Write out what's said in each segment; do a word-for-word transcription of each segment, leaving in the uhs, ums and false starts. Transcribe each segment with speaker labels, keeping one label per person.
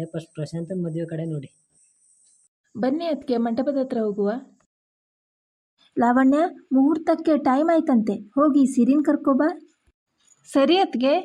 Speaker 1: ಆದರೆ ಫಸ್ಟ್ ಪ್ರಶಾಂತನ ಮದುವೆ ಕಡೆ ನೋಡಿ.
Speaker 2: ಬನ್ನಿ ಅದಕ್ಕೆ ಮಂಟಪದ ಹತ್ರ ಹೋಗುವ. ಲಾವಣ್ಯ, ಮುಹೂರ್ತಕ್ಕೆ ಟೈಮ್ ಆಯ್ತಂತೆ, ಹೋಗಿ ಸಿರಿನ್ ಕರ್ಕೊಬಾ. ಸರಿ ಅತ್ಗೆ.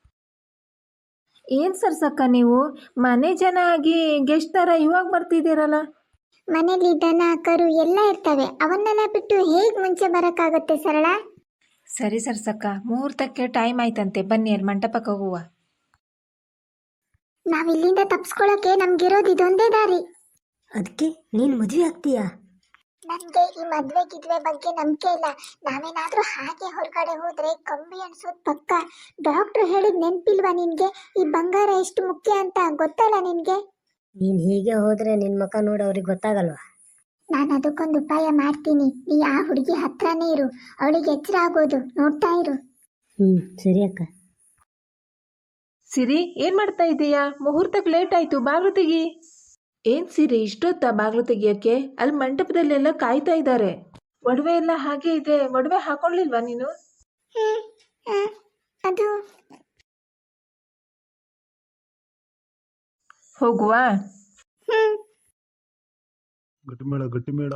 Speaker 2: ಏನು ಸರ್ಸಕ್ಕ ನೀವು ಮನೆ ಜನ ಆಗಿ ಗೆಸ್ಟ್ ಥರ ಇವಾಗ ಬರ್ತಿದ್ದೀರಲ್ಲ.
Speaker 3: ಮನೇಲಿ ದನ ಕರು ಎಲ್ಲ ಇರ್ತವೆ, ಅವನ್ನೆಲ್ಲ ಬಿಟ್ಟು ಹೇಗೆ ಮುಂಚೆ ಬರೋಕ್ಕಾಗುತ್ತೆ ಸರಳ?
Speaker 2: ಸರಿ ಸರ್ಸಕ್ಕ, ಮುಹೂರ್ತಕ್ಕೆ ಟೈಮ್ ಆಯ್ತಂತೆ, ಬನ್ನಿ ಅಲ್ಲಿ ಮಂಟಪಕ್ಕೆ ಹೋಗುವ.
Speaker 3: ನಾವಿಲ್ಲಿಂದ ತಪ್ಸ್ಕೊಳ್ಳೋಕೆ ನಮ್ಗಿರೋದು ಇದೊಂದೇ ದಾರಿ.
Speaker 1: ಅದಕ್ಕೆ ನೀನು ಮದುವೆ ಆಗ್ತೀಯಾ?
Speaker 3: ನನಗೆ ಈ ಮದ್ವೆ ಗಿದ್ವೆ ಬಗ್ಗೆ ನಂಬಿಕೆ ಇಲ್ಲ. ನಾವೇನಾದ್ರೂ ಹಾಗೆ ಹೊರಗಡೆ ಹೋದ್ರೆ ಕಂಬಿ ಅನ್ಸೋದು ಪಕ್ಕ. ಡಾಕ್ಟ್ರು ಹೇಳಿದ್ ನೆನ್ಪಿಲ್ವಾ ನಿನ್ಗೆ? ಈ ಬಂಗಾರ ಎಷ್ಟು ಮುಖ್ಯ ಅಂತ ಗೊತ್ತಲ್ಲ ನಿನ್ಗೆ?
Speaker 1: ನೀನು ಹೀಗೆ ಹೋದ್ರೆ ನಿನ್ನ ಮುಖ ನೋಡಿ ಅವ್ರಿಗೆ ಗೊತ್ತಾಗಲ್ವಾ?
Speaker 3: ನಾನು ಅದಕ್ಕೊಂದು ಉಪಾಯ ಮಾಡ್ತೀನಿ. ನೀ ಆ ಹುಡುಗಿ ಹತ್ರನೇ ಇರು, ಅವಳಿಗೆ ಎಚ್ಚರ ಆಗೋದು ನೋಡ್ತಾ ಇರು.
Speaker 1: ಹ್ಮ್ ಸರಿ ಅಕ್ಕ.
Speaker 2: ಸಿರಿ, ಏನ್ ಮಾಡ್ತಾ ಇದ್ದೀಯಾ? ಮುಹೂರ್ತಕ್ಕೆ ಲೇಟ್ ಆಯ್ತು, ಬಾಗ್ಲು ತೆಗಿ. ಏನ್ ಸಿರಿ ಇಷ್ಟೊತ್ತ ಬಾಗ್ಲು ತೆಗಿಯಕ್ಕೆ? ಅಲ್ಲಿ ಮಂಟಪದಲ್ಲೆಲ್ಲ ಕಾಯ್ತಾ ಇದ್ದಾರೆ. ಒಡವೆ ಎಲ್ಲ ಹಾಗೆ ಇದೆ, ಒಡವೆ ಹಾಕೊಳ್ಳಿಲ್ವಾ ನೀನು?
Speaker 3: ಹ್ಮ್, ಆ, ಅದು
Speaker 2: ಹೋಗುವ.
Speaker 3: ಹ್ಮ್
Speaker 4: ಗಟ್ಟಿಮೇಳ ಗಟ್ಟಿಮೇಳ.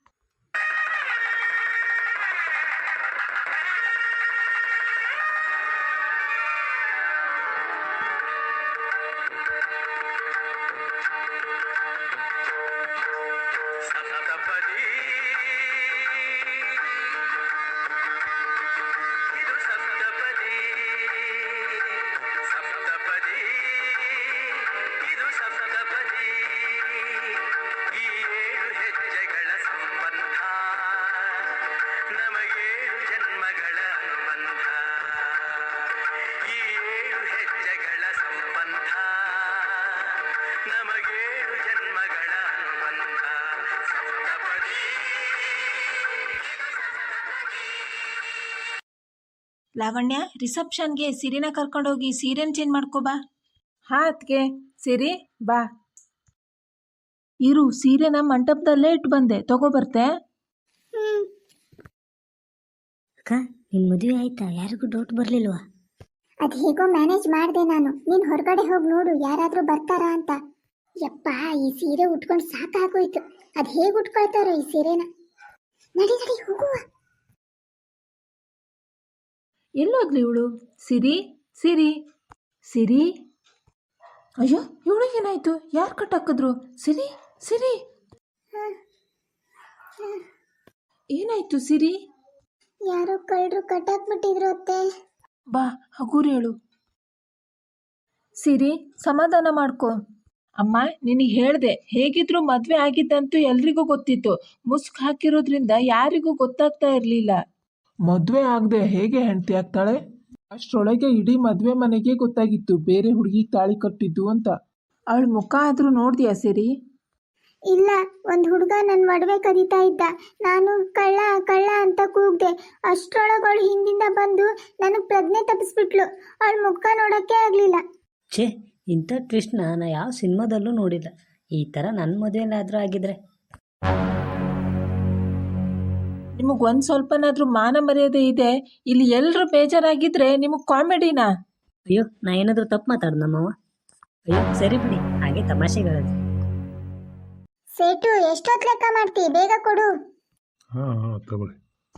Speaker 2: ಲಾವಣ್ಯ, ರಿಸೆಪ್ಷನ್ಗೆ ಸಿರಿನ ಕರ್ಕೊಂಡೋಗಿ ಸೀರೆನ್ ಚೇಂಜ್ ಮಾಡ್ಕೋಬಾ. ಹಾ ಅತ್ಗೆ. ಸಿರಿ ಬಾ. ಇರು, ಸೀರೆನ ಮಂಟಪದಲ್ಲೇ ಇಟ್ಟು ಬಂದೆ, ತಗೋಬರ್ತೆ.
Speaker 3: ಹ್ಮ್
Speaker 1: ಅಕ್ಕ, ನಿನ್ನ ಮದುವೆ ಆಯ್ತಾ? ಯಾರಿಗೂ ಡೌಟ್ ಬರಲಿಲ್ವಾ?
Speaker 3: ಅದು ಹೇಗೋ ಮ್ಯಾನೇಜ್ ಮಾಡಿದೆ ನಾನು. ನೀನು ಹೊರಗಡೆ ಹೋಗಿ ನೋಡು, ಯಾರಾದರೂ ಬರ್ತಾರಾ ಅಂತ. ಯಪ್ಪ, ಈ ಸೀರೆ ಉಟ್ಕೊಂಡು ಸಾಕಾಗೋಯ್ತು. ಅದು ಹೇಗೆ ಉಟ್ಕೊಳ್ತಾರೋ ಈ ಸೀರೆನ. ನಡಿ ನಡಿ ಹೋಗುವ.
Speaker 2: ಎಲ್ಲೋದ್ಲಿ ಇವಳು? ಸಿರಿ, ಸಿರಿ, ಸಿರಿ. ಅಯ್ಯೋ, ಇವಳಿಗೆ ಏನಾಯ್ತು? ಯಾರು ಕಟ್ಟಾಕಿದ್ರು? ಸಿರಿ, ಸಿರಿ, ಏನಾಯ್ತು ಸಿರಿ?
Speaker 3: ಯಾರೋ ಕಳ್ಳರು ಕಟ್ಟಾಕ್ಬಿಟ್ಟಿದ್ರು ಅತ್ತೆ.
Speaker 2: ಬಾ, ಹಗೂರು ಹೇಳು. ಸಿರಿ, ಸಮಾಧಾನ ಮಾಡ್ಕೊ. ಅಮ್ಮ, ನಿನಗೆ ಹೇಳ್ದೆ, ಹೇಗಿದ್ರು ಮದ್ವೆ ಆಗಿದ್ದಂತೂ ಎಲ್ರಿಗೂ ಗೊತ್ತಿತ್ತು. ಮುಸ್ಕ್ ಹಾಕಿರೋದ್ರಿಂದ ಯಾರಿಗೂ ಗೊತ್ತಾಗ್ತಾ ಇರಲಿಲ್ಲ.
Speaker 5: ಮದುವೆ ಆಗದೆ ಹೇಗೆ ಹೆಂಡತಿ ಆಗ್ತಾಳೆ? ಅಷ್ಟರೊಳಗೆ ಇಡೀ ಮದುವೆ ಮನೆಗೆ ಗೊತ್ತಾಗಿತ್ತು ಬೇರೆ ಹುಡುಗಿಗೆ ತಾಳಿ ಕಟ್ಟಿದ್ದು ಅಂತ.
Speaker 2: ಅವಳ ಮುಖ ಆದರೂ ನೋಡ್ದ್ಯಾ ಸಿರಿ?
Speaker 3: ಇಲ್ಲ, ಒಂದು ಹುಡುಗ ನನ್ನ ಒಡವೆ ಕದೀತಾ ಇದ್ದ. ನಾನು ಕಳ್ಳ ಕಳ್ಳ ಅಂತ ಕೂಗ್ದೆ. ಅಷ್ಟರೊಳಗವಳು ಹಿಂದಿಂದ ಬಂದು ನನಗೆ ಪ್ರಜ್ಞೆ ತಪ್ಪಿಸ್ಬಿಟ್ಲು. ಅವಳ ಮುಖ ನೋಡೋಕ್ಕೆ ಆಗಲಿಲ್ಲ.
Speaker 1: ಛೇ, ಇಂಥ ಟ್ವಿಸ್ಟ್ನ ನಾನು ಯಾವ ಸಿನಿಮಾದಲ್ಲೂ ನೋಡಿಲ್ಲ. ಈ ಥರ ನನ್ನ ಮದುವೆಲಾದರೂ ಆಗಿದ್ರೆ.
Speaker 2: ನಿಮಗೆ ಒಂದು ಸ್ವಲ್ಪನಾದ್ರೂ ಮಾನ ಮರ್ಯಾದೆ ಇದೆ? ಇಲ್ಲಿ ಎಲ್ಲರೂ ಬೇಜಾರಾಗಿದ್ರೆ ನಿಮಗೆ ಕಾಮಿಡಿನಾ?
Speaker 1: ಅಯ್ಯೋ, ನಾ ಏನಾದರೂ ತಪ್ಪು ಮಾತಾಡ್ದ ನಮ್ಮವ್ವ? ಅಯ್ಯೋ ಸರಿ ಬಿಡಿ, ಹಾಗೆ ತಮಾಷೆಗಳಲ್ಲಿ.
Speaker 3: ಸೇಟು, ಎಷ್ಟೊತ್ತು ಲೆಕ್ಕ ಮಾಡ್ತಿ? ಬೇಗ ಕೊಡು.
Speaker 4: ಹಾ ಹಾ ತಗೊಳ್ಳಿ.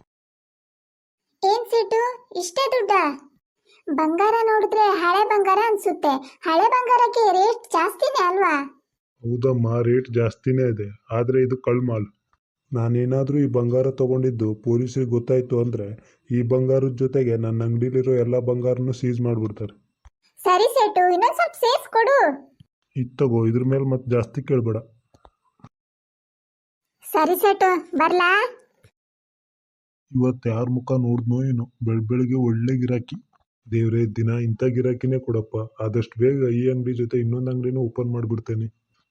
Speaker 3: ಏನ್ ಸೇಟು, ಇಷ್ಟೇ ದುಡ್ಡ? ಬಂಗಾರ ನೋಡಿದ್ರೆ ಹಳೆ ಬಂಗಾರ ಅನ್ಸುತ್ತೆ. ಹಳೆ ಬಂಗಾರಕ್ಕೆ ರೇಟ್ ಜಾಸ್ತಿನೇ ಅಲ್ವಾ?
Speaker 4: ಹೌದಮ್ಮ, ರೇಟ್ ಜಾಸ್ತಿನೇ ಇದೆ. ಆದರೆ ಇದು ಕಳ್ಮಾಲ್. ನಾನೇನಾದರೂ ಈ ಬಂಗಾರ ತಗೊಂಡಿದ್ದು ಪೊಲೀಸರಿಗೆ ಗೊತ್ತಾಯ್ತು ಅಂದರೆ ಈ ಬಂಗಾರದ ಜೊತೆಗೆ ನನ್ನ ಅಂಗಡಿಲಿರೋ ಎಲ್ಲ ಬಂಗಾರನೂ ಸೀಸ್ ಮಾಡಿಬಿಡ್ತಾರೆ.
Speaker 3: ಸರಿ ಸೇಟು, ಇನ್ನೊಂದು ಸ್ವಲ್ಪ ಸೇಫ್ ಕೊಡು.
Speaker 4: ಇದು ತಗೋ, ಇದ್ರ ಮೇಲೆ ಮತ್ತೆ ಜಾಸ್ತಿ ಕೇಳಬೇಡ.
Speaker 3: ಸರಿ ಸೇಟು, ಬರ್ಲಾ?
Speaker 4: ಇವತ್ತು ಯಾರ ಮುಖ ನೋಡಿದ್ನೋ ಏನೋ, ಬೆಳ ಬೆಳಿಗ್ಗೆ ಒಳ್ಳೆ ಗಿರಾಕಿ. ದೇವ್ರೇ, ದಿನ ಇಂಥ ಗಿರಾಕಿನೇ ಕೊಡಪ್ಪ. ಆದಷ್ಟು ಬೇಗ ಈ ಅಂಗಡಿ ಜೊತೆ ಇನ್ನೊಂದು ಅಂಗಡಿನೂ ಓಪನ್ ಮಾಡಿಬಿಡ್ತೇನೆ.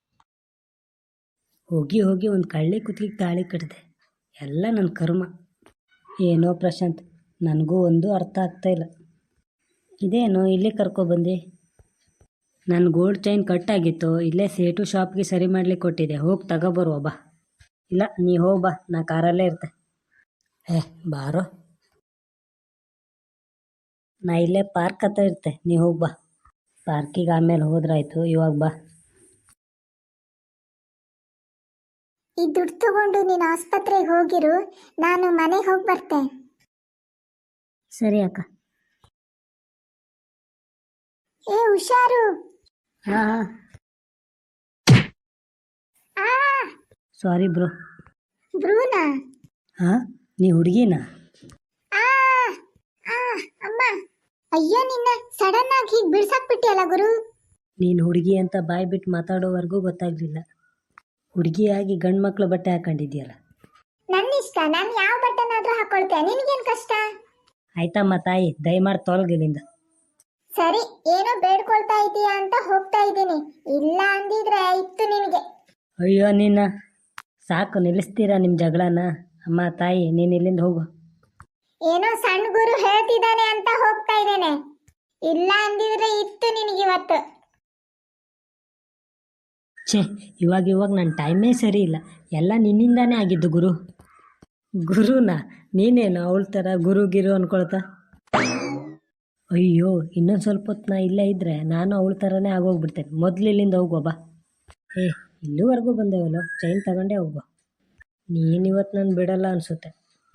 Speaker 1: ಹೋಗಿ ಹೋಗಿ ಒಂದು ಕಳ್ಳಿ ಕುತ್ತಿಗೆ ತಾಳಿ ಕಟ್ಟಿದೆ. ಎಲ್ಲ ನನ್ನ ಕರ್ಮ. ಏನೋ ಪ್ರಶಾಂತ್, ನನಗೂ ಒಂದು ಅರ್ಥ ಆಗ್ತಾಯಿಲ್ಲ. ಇದೇನೋ ಇಲ್ಲಿ ಕರ್ಕೊಬಂದು? ನನ್ನ ಗೋಲ್ಡ್ ಚೈನ್ ಕಟ್ಟಾಗಿತ್ತು, ಇಲ್ಲೇ ಸೇಟು ಶಾಪ್ಗೆ ಸರಿ ಮಾಡ್ಲಿಕ್ಕೆ ಕೊಟ್ಟಿದೆ. ಹೋಗಿ ತಗೊಬರುವ ಬಾ. ಇಲ್ಲ, ನೀ ಹೋಗಿ ಬಾ, ನಾ ಕಾರಲ್ಲೇ ಇರ್ತೆ. ಏ ಬಾರೋ, ನಾ ಇಲ್ಲೇ ಪಾರ್ಕ್ ಹತ್ರ ಇರ್ತೆ, ನೀ ಹೋಗಿ ಬಾ. ಪಾರ್ಕಿಗೆ ಆಮೇಲೆ ಹೋದ್ರಾಯ್ತು, ಇವಾಗ ಬಾ.
Speaker 3: ಈ ದುಡ್ಡು ತಗೊಂಡು ನೀನು ಆಸ್ಪತ್ರೆಗೆ ಹೋಗಿರು, ನಾನು ಮನೆಗೆ ಹೋಗಿ ಬರ್ತೆ.
Speaker 1: ಸರಿ ಅಕ್ಕ.
Speaker 3: ಏ ಹುಷಾರು.
Speaker 1: ಹಾಂ ಹಾಂ
Speaker 3: ಆ
Speaker 1: ಸಾರಿ ಬ್ರೋ.
Speaker 3: ಬ್ರೂನಾ?
Speaker 1: ಹಾಂ ನೀ ಹುಡುಗಿನಾ?
Speaker 3: ಆ ಆ ಅಮ್ಮ, ಅಯ್ಯೋ ನಿನ್ನ ಸಡನ್ ಆಗಿ ಹೀಗೆ ಬಿಡ್ಸಾಕ್ಬಿಟ್ಟಿಯಲ್ಲ ಗುರು.
Speaker 1: ನೀನು ಹುಡುಗಿ ಅಂತ ಬಾಯಿ ಬಿಟ್ಟು ಮಾತಾಡೋವರೆಗೂ ಗೊತ್ತಾಗಲಿಲ್ಲ. ಹುಡುಗಿಯಾಗಿ ಗಂಡು ಮಕ್ಕಳು ಬಟ್ಟೆ ಹಾಕೊಂಡಿದ್ಯಲ್ಲ.
Speaker 3: ನನ್ನ ಇಷ್ಟ, ನಾನು ಯಾವ ಬಟ್ಟೆನಾದ್ರೂ ಹಾಕೊಳ್ತೆ, ನಿನಗೇನು ಕಷ್ಟ?
Speaker 1: ಆಯ್ತಮ್ಮ ತಾಯಿ, ದಯಮಾಡಿ ತೊಲಗಿಲ್ಲಿಂದ.
Speaker 3: ಸರಿ, ಏನೋ ಬೇಡ್ಕೊಳ್ತಾ ಇದೀಯಾ ಅಂತ ಹೋಗ್ತಾ ಇದ್ದೀನಿ, ಇಲ್ಲ ಅಂದಿದ್ರೆ ಇತ್ತು ನಿನಗೆ.
Speaker 1: ಅಯ್ಯೋ ನಿನ್ನ, ಸಾಕು ನಿಲ್ಲಿಸ್ತೀರಾ ನಿಮ್ಮ ಜಗಳನ? ಅಮ್ಮ ತಾಯಿ, ನೀನು ಇಲ್ಲಿಂದ ಹೋಗು.
Speaker 3: ಏನೋ ಸಣ್ಣ ಗುರು ಹೇಳ್ತಿದ್ದಾನೆ ಅಂತ ಹೋಗ್ತಾ ಇದ್ದೇನೆ, ಇಲ್ಲ ಅಂದಿದ್ರೆ ಇತ್ತು ನಿನಗಿವತ್ತು.
Speaker 1: ಛೇ, ಇವಾಗ ಇವಾಗ ನನ್ನ ಟೈಮೇ ಸರಿ ಇಲ್ಲ, ಎಲ್ಲ ನಿನ್ನಿಂದಾನೇ ಆಗಿದ್ದು ಗುರು. ಗುರುನಾ? ನೀನೇನು ಅವಳ ಥರ ಗುರು ಗಿರು ಅನ್ಕೊಳ್ತಾ? ಅಯ್ಯೋ, ಇನ್ನೊಂದು ಸ್ವಲ್ಪ ಹೊತ್ತು ನಾ ಇಲ್ಲೇ ಇದ್ದರೆ ನಾನು ಅವಳ ಥರನೇ ಆಗೋಗ್ಬಿಡ್ತೇನೆ. ಮೊದಲು ಇಲ್ಲಿಂದ ಹೋಗುವ ಬಾ. ಏ, ಇಲ್ಲಿವರೆಗೂ ಬಂದೇವಲ್ಲ, ಚೈನ್ ತಗೊಂಡೇ ಹೋಗುವ. ನೀನು ಇವತ್ತು ನಾನು ಬಿಡಲ್ಲ ಅನಿಸುತ್ತೆ.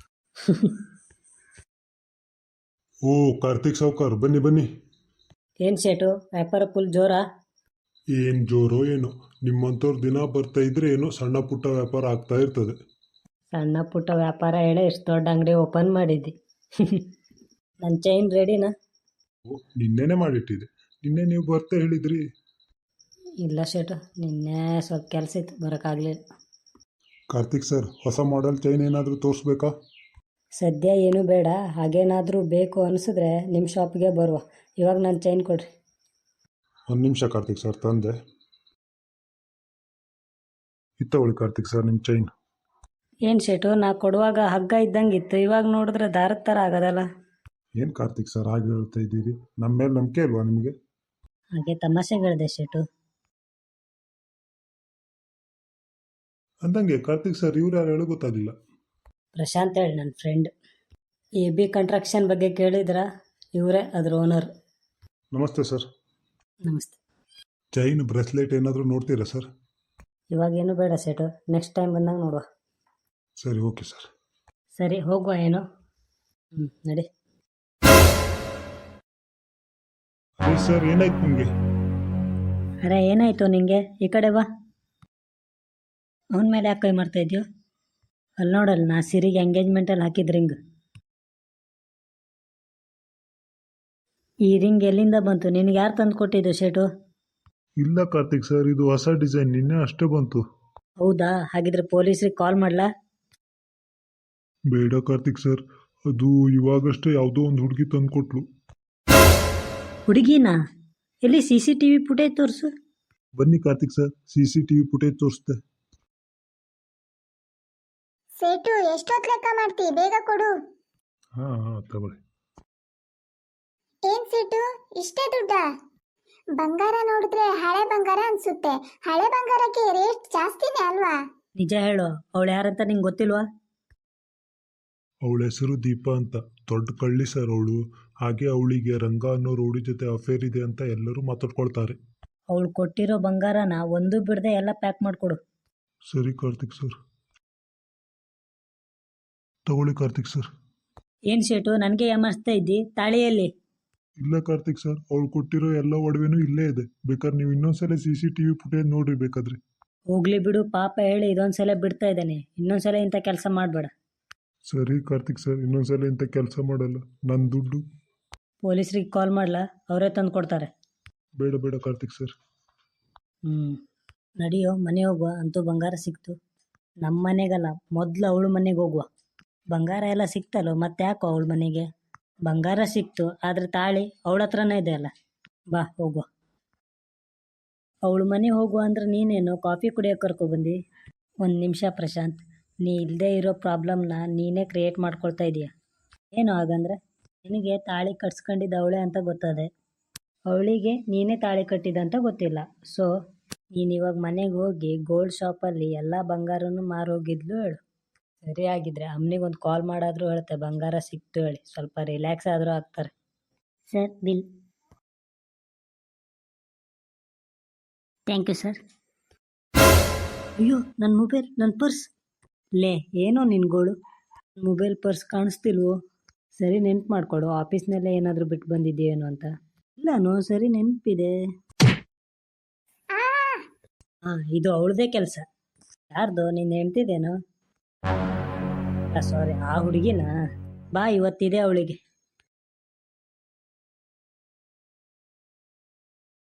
Speaker 4: ಓ ಕಾರ್ತಿಕ್ ಸಾವ್ಕಾರ್, ಬನ್ನಿ ಬನ್ನಿ.
Speaker 1: ಏನು ಶೇಟು, ವ್ಯಾಪಾರ ಫುಲ್ ಜೋರಾ?
Speaker 4: ಏನು ಜೋರೋ ಏನೋ, ನಿಮ್ಮಂಥವ್ರು ದಿನ ಬರ್ತಾ ಇದ್ರೆ ಏನೋ ಸಣ್ಣ ಪುಟ್ಟ ವ್ಯಾಪಾರ ಆಗ್ತಾ ಇರ್ತದೆ.
Speaker 1: ಸಣ್ಣ ಪುಟ್ಟ ವ್ಯಾಪಾರ ಹೇಳಿ ಇಷ್ಟು ದೊಡ್ಡ ಅಂಗಡಿ ಓಪನ್ ಮಾಡಿದ್ದಿ. ನನ್ನ ಚೈನ್ ರೆಡಿನಾ?
Speaker 4: ಓ, ನಿನ್ನೆನೇ ಮಾಡಿಟ್ಟಿದೆ. ನಿನ್ನೆ ನೀವು ಬರ್ತಾ ಹೇಳಿದ್ರಿ.
Speaker 1: ಇಲ್ಲ ಶೇಟು, ನಿನ್ನೆ ಸ್ವಲ್ಪ ಕೆಲಸ ಇತ್ತು, ಬರೋಕ್ಕಾಗಲಿಲ್ಲ.
Speaker 4: ಕಾರ್ತಿಕ್ ಸರ್, ಹೊಸ ಮಾಡೆಲ್ ಚೈನ್ ಏನಾದರೂ ತೋರಿಸ್ಬೇಕಾ?
Speaker 1: ಸದ್ಯ ಏನೂ ಬೇಡ, ಹಾಗೇನಾದರೂ ಬೇಕು ಅನಿಸಿದ್ರೆ ನಿಮ್ಮ ಶಾಪ್ಗೆ ಬರುವ. ಇವಾಗ ನನ್ನ ಚೈನ್ ಕೊಡ್ರಿ.
Speaker 4: ಒಂದು ನಿಮಿಷ ಕಾರ್ತಿಕ್ ಸರ್, ತಂದೆ. ಇತ್ತವಳಿ ಕಾರ್ತಿಕ್ ಸರ್ ನಿಮ್ಮ ಚೈನ್.
Speaker 1: ಏನು ಶೇಟು, ನಾ ಕೊಡುವಾಗ ಹಗ್ಗ ಇದ್ದಂಗೆ ಇತ್ತು, ಇವಾಗ ನೋಡಿದ್ರೆ ದಾರದ ಥರ ಆಗೋದಲ್ಲ.
Speaker 4: ಏನು ಕಾರ್ತಿಕ್ ಸರ್ ಹಾಗೆ ಹೇಳ್ತಾ ಇದ್ದೀರಿ? ನಮ್ಮ ಮೇಲೆ ನಂಬಿಕೆ ಅಲ್ವಾ ನಿಮಗೆ?
Speaker 1: ಹಾಗೆ ತಮಾಷೆಗಳಿದೆ ಶೇಟು.
Speaker 4: ಅಂದಂಗೆ ಕಾರ್ತಿಕ್ ಸರ್, ಇವ್ರು ಯಾರು ಹೇಳೋ ಗೊತ್ತಾಗಿಲ್ಲ.
Speaker 1: ಪ್ರಶಾಂತ್ ಹೇಳಿ, ನನ್ನ ಫ್ರೆಂಡ್. ಎ ಬಿ ಕಂಟ್ರಾಕ್ಷನ್ ಬಗ್ಗೆ ಕೇಳಿದ್ರಾ? ಇವರೇ ಅದ್ರ ಓನರ್.
Speaker 4: ನಮಸ್ತೆ ಸರ್.
Speaker 1: ನಮಸ್ತೆ.
Speaker 4: ಚೈನ್ ಬ್ರೆಸ್ಲೆಟ್ ಏನಾದರೂ ನೋಡ್ತೀರಾ ಸರ್?
Speaker 1: ಇವಾಗೇನು ಬೇಡ ಶೇಟು, ನೆಕ್ಸ್ಟ್ ಟೈಮ್ ಬಂದಾಗ ನೋಡುವ.
Speaker 4: ಸರಿ, ಓಕೆ ಸರ್.
Speaker 1: ಸರಿ, ಹೋಗುವ ಏನು? ಹ್ಞೂ, ನಡಿ.
Speaker 4: ಅದೇ ಸರ್, ಏನಾಯ್ತು ನಿಮಗೆ?
Speaker 1: ಅರೆ ಏನಾಯಿತು ನಿಂಗೆ? ಈ ಕಡೆ ಬಾ. ಅವನ ಮೇಲೆ ಯಾಕೆ ಕೈ ಮಾಡ್ತಾ ಇದೆಯೋ? ಅಲ್ಲಿ ನೋಡಲ್ಲ, ನಾ ಸಿರಿಗೆ ಎಂಗೇಜ್ಮೆಂಟಲ್ಲಿ ಹಾಕಿದ ರಿಂಗ್. ಈ ರಿಂಗ್ ಎಲ್ಲಿಂದ ಬಂತು? ನಿನಗೆ ಯಾರು ತಂದು ಕೊಟ್ಟಿದ್ದು ಶೇಟು?
Speaker 4: ಇಲ್ಲ ಕಾರ್ತಿಕ್ ಸರ್, ಇದು ಹೊಸ ಡಿಸೈನ್, ನಿನ್ನೆ ಅಷ್ಟೇ ಬಂತು.
Speaker 1: ಹೌದಾ? ಹಾಗಿದ್ರೆ ಪೊಲೀಸ್ರಿಗೆ ಕಾಲ್ ಮಾಡಲಾ?
Speaker 4: ಬೇಡ ಕಾರ್ತಿಕ್ ಸರ್, ಅದು ಇವಾಗಷ್ಟೇ ಯಾವುದೋ ಒಂದು ಹುಡುಗಿ ತಂದು ಕೊಟ್ಲು.
Speaker 1: ಹುಡುಗಿನಾ? ಎಲ್ಲಿ C C T V footage ತೋರಿಸು.
Speaker 4: ಬನ್ನಿ Karthik sir, C C T V footage ತೋರಿಸ್ತೆ.
Speaker 3: ಸೇಟು, ಎಷ್ಟೊತ್ತು ಲೆಕ್ಕ ಮಾಡ್ತಿ? ಬೇಗ ಕೊಡು.
Speaker 4: ಹಾಂ ಹಾಂ ತಗೊಳ್ಳಿ.
Speaker 3: ಏನ್ ಸೇಟು, ಇಷ್ಟೇ ದುಡ್ಡ? ಬಂಗಾರ ನೋಡಿದ್ರೆ ಹಳೆ ಬಂಗಾರ ಅನ್ಸುತ್ತೆ. ಹಳೆ ಬಂಗಾರಕ್ಕೆ ರೇಟ್ ಜಾಸ್ತಿನೇ ಅಲ್ವಾ?
Speaker 1: ನಿಜ ಹೇಳು, ಅವಳು ಯಾರಂತ ನಿಂಗೆ ಗೊತ್ತಿಲ್ವಾ?
Speaker 4: ಅವಳ ಹೆಸರು ದೀಪಾ ಅಂತ, ದೊಡ್ಡ ಕಳ್ಳಿ ಸರ್ ಅವಳು. ಹಾಗೆ ಅವಳಿಗೆ ರಂಗ ಅನ್ನೋ ರೌಡಿ ಜೊತೆ ಅಫೇರ್ ಇದೆ ಅಂತ ಎಲ್ಲರೂ ಮಾತಾಡ್ಕೊಳ್ತಾರೆ.
Speaker 1: ಅವಳು ಕೊಟ್ಟಿರೋ ಬಂಗಾರನ ಒಂದು ಬಿಡದೆ ಎಲ್ಲ ಪ್ಯಾಕ್ ಮಾಡಿಕೊಡು.
Speaker 4: ಸರಿ ಕಾರ್ತಿಕ್ ಸರ್. ತಗೊಳ್ಳಿ ಕಾರ್ತಿಕ್ ಸರ್.
Speaker 1: ಏನು ಶೇಟು, ನನಗೆ ಏಮಾರಿಸ್ತಾ ಇದ್ದಿ? ತಾಳಿಯಲ್ಲಿ?
Speaker 4: ಇಲ್ಲ ಕಾರ್ತಿಕ್ ಸರ್, ಅವಳು ಕೊಟ್ಟಿರೋ ಎಲ್ಲ ಒಡವೆನೂ ಇಲ್ಲೇ ಇದೆ. ಬೇಕಾದ್ರೆ ನೀವು ಇನ್ನೊಂದ್ಸಲ C C T V footage ನೋಡ್ರಿ ಬೇಕಾದ್ರೆ.
Speaker 1: ಹೋಗ್ಲಿ ಬಿಡು, ಪಾಪ ಹೇಳಿ ಇದೊಂದ್ಸಲ ಬಿಡ್ತಾ ಇದ್ದಾನೆ, ಇನ್ನೊಂದ್ಸಲ ಇಂಥ ಕೆಲಸ ಮಾಡಬೇಡ.
Speaker 4: ಸರಿ ಕಾರ್ತಿಕ್ ಸರ್, ಇನ್ನೊಂದ್ಸಲ ಇಂಥ ಕೆಲಸ ಮಾಡಲ್ಲ. ನನ್ನ ದುಡ್ಡು
Speaker 1: ಪೊಲೀಸ್ರಿಗೆ ಕಾಲ್ ಮಾಡಲಾ? ಅವರೇ ತಂದು ಕೊಡ್ತಾರೆ.
Speaker 4: ಬೇಡ ಬೇಡ ಕಾರ್ತಿಕ್ ಸರ್.
Speaker 1: ಹ್ಞೂ, ನಡಿಯೋ, ಮನೆ ಹೋಗುವ. ಅಂತೂ ಬಂಗಾರ ಸಿಕ್ತು. ನಮ್ಮ ಮನೆಗಲ್ಲ, ಮೊದಲು ಅವಳು ಮನೆಗೆ ಹೋಗುವ. ಬಂಗಾರ ಎಲ್ಲ ಸಿಕ್ತಲ್ಲೋ, ಮತ್ತೆ ಯಾಕೋ ಅವಳ ಮನೆಗೆ? ಬಂಗಾರ ಸಿಕ್ತು, ಆದರೆ ತಾಳಿ ಅವಳ ಹತ್ರನೇ ಇದೆ ಅಲ್ಲ. ಬಾ ಹೋಗುವ. ಅವಳ ಮನೆ ಹೋಗುವ ಅಂದ್ರೆ ನೀನೇನು ಕಾಫಿ ಕುಡಿಯೋಕೆ ಕರ್ಕೊಬಂದು? ಒಂದು ನಿಮಿಷ ಪ್ರಶಾಂತ್, ನೀ ಇಲ್ಲದೆ ಇರೋ ಪ್ರಾಬ್ಲಮ್ನ ನೀನೇ ಕ್ರಿಯೇಟ್ ಮಾಡ್ಕೊಳ್ತಾ ಇದೀಯ. ಏನು ಹಾಗಂದ್ರೆ? ನಿನಗೆ ತಾಳಿ ಕಟ್ಸ್ಕೊಂಡಿದ್ದು ಅವಳೇ ಅಂತ ಗೊತ್ತದೆ, ಅವಳಿಗೆ ನೀನೇ ತಾಳಿ ಕಟ್ಟಿದಂತ ಗೊತ್ತಿಲ್ಲ. ಸೊ ನೀನು ಇವಾಗ ಮನೆಗೆ ಹೋಗಿ ಗೋಲ್ಡ್ ಶಾಪಲ್ಲಿ ಎಲ್ಲ ಬಂಗಾರನೂ ಮಾರೋಗಿದ್ಲು ಹೇಳು. ಸರಿ, ಆಗಿದ್ರೆ ಅಮ್ಮನಿಗೊಂದು ಕಾಲ್ ಮಾಡಾದರೂ ಹೇಳುತ್ತೆ ಬಂಗಾರ ಸಿಕ್ತು ಹೇಳಿ, ಸ್ವಲ್ಪ ರಿಲ್ಯಾಕ್ಸ್ ಆದರೂ ಆಗ್ತಾರೆ. Sir, bill. Thank you sir. ಅಯ್ಯೋ ನನ್ನ ಮೊಬೈಲ್ ನನ್ನ ಪರ್ಸ್ ಲೇ ಏನೋ ನಿನ್ಗೋಳು ಮೊಬೈಲ್ ಪರ್ಸ್ ಕಾಣಿಸ್ತಿಲ್ವೋ ಸರಿ ನೆನ್ಪು ಮಾಡ್ಕೊಡು ಆಫೀಸ್ನಲ್ಲೇ ಏನಾದರೂ ಬಿಟ್ಟು ಬಂದಿದ್ದೀಯೇನೋ ಅಂತ ಇಲ್ಲನೋ ಸರಿ ನೆನಪಿದೆ
Speaker 3: ಆ
Speaker 1: ಹಾಂ ಇದು ಅವಳದೇ ಕೆಲಸ ಯಾರ್ದು ನೀನು ಹೆಂಡ್ತಿದೇನೋ ಸಾರಿ ಆ ಹುಡುಗಿನ ಬಾ ಇವತ್ತಿದೆ ಅವಳಿಗೆ